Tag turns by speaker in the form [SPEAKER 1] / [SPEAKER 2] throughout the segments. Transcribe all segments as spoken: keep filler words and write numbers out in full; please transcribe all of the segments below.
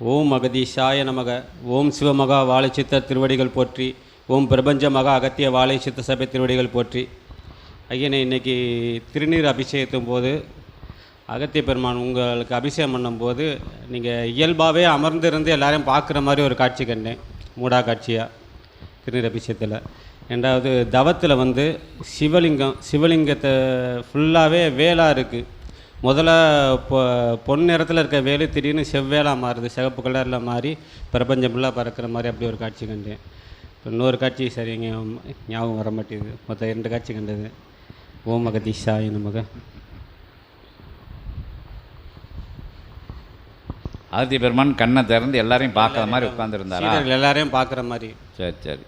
[SPEAKER 1] ஓம் அகதீஷாய நமக. ஓம் சிவமகா வாழைச்சித்த திருவடிகள் போற்றி. ஓம் பிரபஞ்ச மகா அகத்திய வாழைச்சித்த சபை திருவடிகள் போற்றி. ஐயனை இன்னைக்கு திருநீர் அபிஷேகத்தும் போது அகத்திய பெருமான் உங்களுக்கு அபிஷேகம் பண்ணும்போது நீங்கள் இயல்பாகவே அமர்ந்திருந்து எல்லாரையும் பார்க்குற மாதிரி ஒரு காட்சி கண்டேன், மூடா காட்சியாக திருநீர் அபிஷேகத்தில். ரெண்டாவது தவத்தில் வந்து சிவலிங்கம் சிவலிங்கத்தை ஃபுல்லாகவே வேலாக இருக்குது. முதல்ல பொ பொன் நிறத்தில் இருக்க வேலு திடீர்னு செவ்வேலாக மாறுது, சிவப்பு கலரில் மாறி பிரபஞ்சம் ஃபுல்லாக பறக்கிற மாதிரி அப்படி ஒரு காட்சி கண்டேன். இப்போ இன்னொரு காட்சி சரிங்க ஞாபகம் வர மாட்டேங்குது. மொத்தம் இரண்டு காட்சி கண்டது. ஓம் அகதீஷாய நமக.
[SPEAKER 2] ஆதித்ய பெருமான் கண்ணை திறந்து எல்லாரையும் பார்க்குற மாதிரி உட்காந்துருந்தாரா?
[SPEAKER 1] எல்லாரையும் பார்க்குற மாதிரி.
[SPEAKER 2] சரி சரி.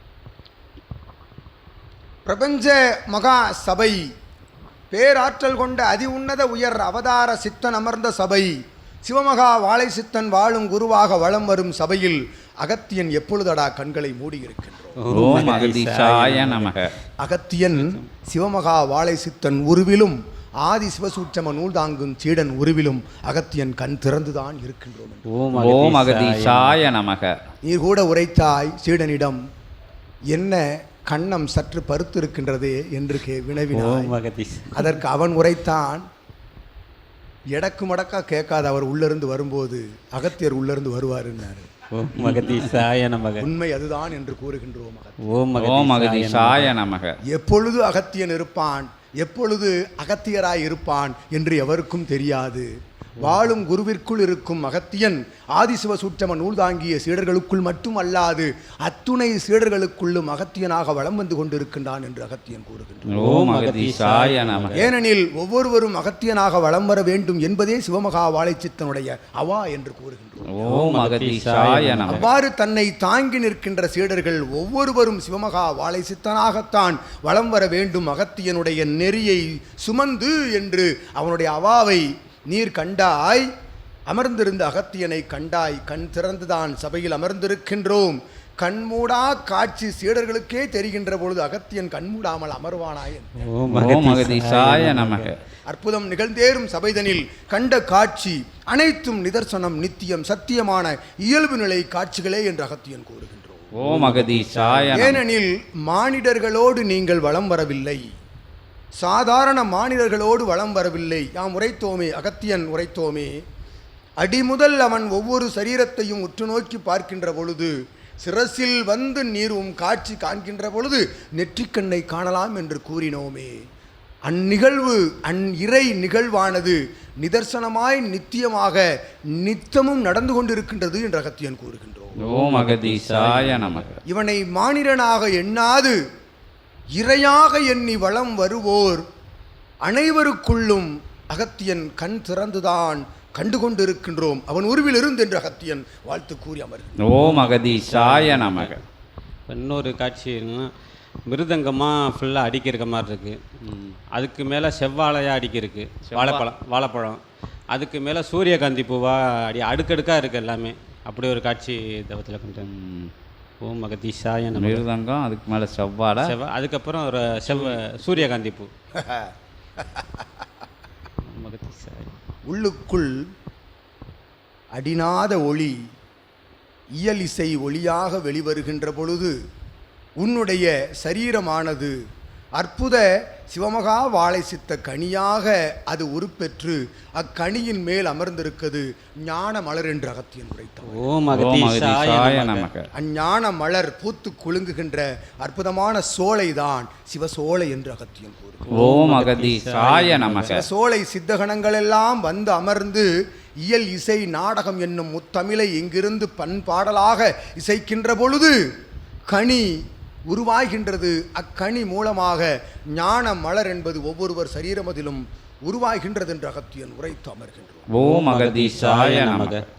[SPEAKER 3] பிரபஞ்ச மகா சபை, பேராற்றல் கொண்ட அதி உன்னத உயர் அவதார சித்தன் அமர்ந்த சபை, சிவமகா வாழை சித்தன் வாழும் குருவாக வலம் வரும் சபையில் அகத்தியன் எப்பொழுதடா கண்களை மூடியிருக்கின்றோம். அகத்தியன் சிவமகா வாழை சித்தன் உருவிலும் ஆதி சிவசூட்சம நூல் தாங்கும் சீடன் உருவிலும் அகத்தியன் கண் திறந்துதான் இருக்கின்றோம்.
[SPEAKER 2] ஓம் அகதீஷாய நமக.
[SPEAKER 3] நீர் கூட உரைத்தாய் சீடனிடம், என்ன கண்ணம் சற்று பருத்து இருக்கின்றதே என்று கே வினவினாய். அதற்கு அவன் உரைத்தான், எடக்கு மடக்கா கேட்காத அவர் உள்ளிருந்து வரும்போது அகத்தியர் உள்ளிருந்து வருவார் என்றார். உண்மை அதுதான் என்று கூறுகின்றோம். எப்பொழுது அகத்தியன் இருப்பான், எப்பொழுது அகத்தியராய் இருப்பான் என்று எவருக்கும் தெரியாது. வாழும் குருவிற்குள் இருக்கும் அகத்தியன் ஆதிசிவ சூட்சம நூல் தாங்கிய சீடர்களுக்குள் மட்டும் அல்லாது அத்துணை சீடர்களுக்குள்ளும் அகத்தியனாக வலம் வந்து கொண்டிருக்கின்றான் என்று அகத்தியன் கூறுகின்றான். ஏனெனில் ஒவ்வொருவரும் அகத்தியனாக வலம் வர வேண்டும் என்பதே சிவமகா வாழைச்சித்தனுடைய அவா என்று கூறுகின்றோம். அவ்வாறு தன்னை தாங்கி நிற்கின்ற சீடர்கள் ஒவ்வொருவரும் சிவமகா வாழைச்சித்தனாகத்தான் வலம் வர வேண்டும், அகத்தியனுடைய நெறியை சுமந்து என்று அவனுடைய அவாவை நீர் கண்டாய். அமர்ந்திருந்த அகத்தியனை கண்டாய். கண் திறந்துதான் சபையில் அமர்ந்திருக்கின்றோம். கண்மூடா காட்சி சீடர்களுக்கே தெரிகின்ற பொழுது அகத்தியன் கண்மூடாமல் அமர்வானாய். அற்புதம் நிகழ்ந்தேறும் சபைதனில் கண்ட காட்சி அனைத்தும் நிதர்சனம், நித்தியம், சத்தியமான இயல்பு நிலை காட்சிகளே என்று அகத்தியன் கூறுகின்றோம். ஏனெனில் மானிடர்களோடு நீங்கள் வலம் வரவில்லை, சாதாரண மானிடர்களோடு வலம் வரவில்லை. யாம் உரைத்தோமே, அகத்தியன் உரைத்தோமே, அடிமுதல் அவன் ஒவ்வொரு சரீரத்தையும் உற்று நோக்கி பார்க்கின்ற பொழுது சிரசில் வந்து நீரும் காட்சி காண்கின்ற பொழுது நெற்றிக்கண்ணை காணலாம் என்று கூறினோமே. அந்நிகழ்வு அந் இறை நிகழ்வானது நிதர்சனமாய் நித்தியமாக நித்தமும் நடந்து கொண்டிருக்கின்றது என்று அகத்தியன் கூறுகின்றோம். இவனை மானிடனாக எண்ணாது இறையாக எண்ணி வளம் வருவோர் அனைவருக்குள்ளும் அகத்தியன் கண் திறந்துதான் கண்டு கொண்டிருக்கின்றோம். அவன் உருவில் இருந்து என்று அகத்தியன் வாழ்த்து கூறி அமர்கிறான்.
[SPEAKER 2] ஓம் அகதீஷாய நமக.
[SPEAKER 1] இன்னொரு காட்சி மிருதங்கமாக ஃபுல்லாக அடிக்கிற மாதிரி இருக்கு. அதுக்கு மேலே செவ்வாழையாக அடிக்கிருக்கு, வாழைப்பழம் வாழைப்பழம் அதுக்கு மேலே சூரியகாந்தி பூவாக அடி அடுக்கடுக்காக இருக்குது எல்லாமே. அப்படி ஒரு காட்சி தவத்தில் கொண்டு. ஓம் அகதீஷாய நமக.
[SPEAKER 2] மிருதங்கம், அதுக்கு மேலே செவ்வாழை,
[SPEAKER 1] செவ்வா அதுக்கப்புறம் ஒரு செவ்வ சூரியகாந்தி பூ.
[SPEAKER 3] உள்ளுக்குள் அடிநாத ஒளி இயல் இசை ஒளியாக வெளிவருகின்ற பொழுது உன்னுடைய சரீரமானது அற்புத சிவமகா வாழை சித்த கனியாக அது உருப்பெற்று அக்கனியின் மேல் அமர்ந்திருக்கிறது ஞான மலர் என்று அகத்தியன் உரைத்தார். அஞ்ஞான மலர் பூத்து குலுங்குகின்ற அற்புதமான சோலைதான் சிவசோலை என்று அகத்தியன் கூறுகிறார். சோலை சித்தகணங்கள் எல்லாம் வந்து அமர்ந்து இயல் இசை நாடகம் என்னும் முத்தமிழை இங்கிருந்து பண்பாடலாக இசைக்கின்ற பொழுது கனி உருவாகின்றது. அக்கனி மூலமாக ஞான மலர் என்பது ஒவ்வொருவர் சரீரமதிலும் உருவாகின்றது என்று அகத்தியன் உரைத்து அமர்கின்றோம்.
[SPEAKER 2] ஓம் அகதீஷாய நமக.